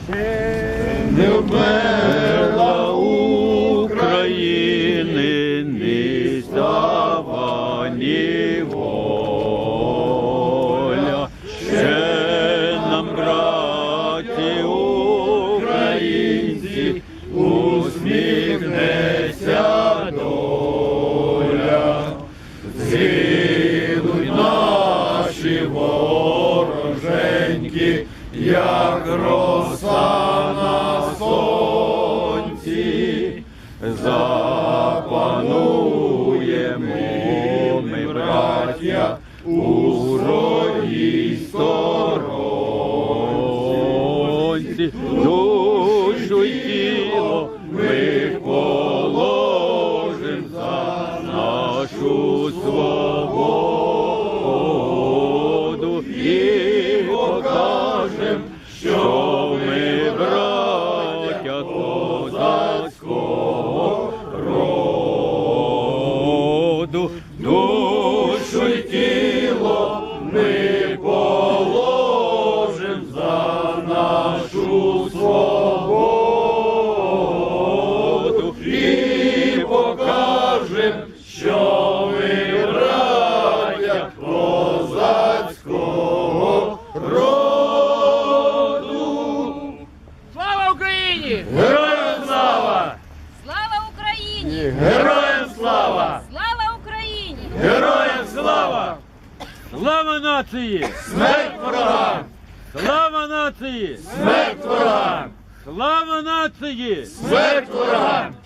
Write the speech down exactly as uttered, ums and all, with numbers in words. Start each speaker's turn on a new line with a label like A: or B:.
A: Не вмерла України ні слава, ні воля. Ще нам, браті українці, усміхнеться доля. Згинуть наші вороженьки, як роса на сонці. Запануємо ми, браття, у своїй сторонці. Душу й тіло ми положим за нашу свободу і покажем, що ми браття козацького роду. Душу й тіло ми положим за нашу свободу і покажем, що ми браття козацького роду.
B: Слава Україні!
A: Героям слава!
C: Слава Україні!
A: Героям слава!
C: Слава Україні!
A: Героям слава!
D: Слава нації!
A: Смерть ворогам!
D: Слава нації!
A: Смерть ворогам!
D: Слава нації!
A: Смерть ворогам!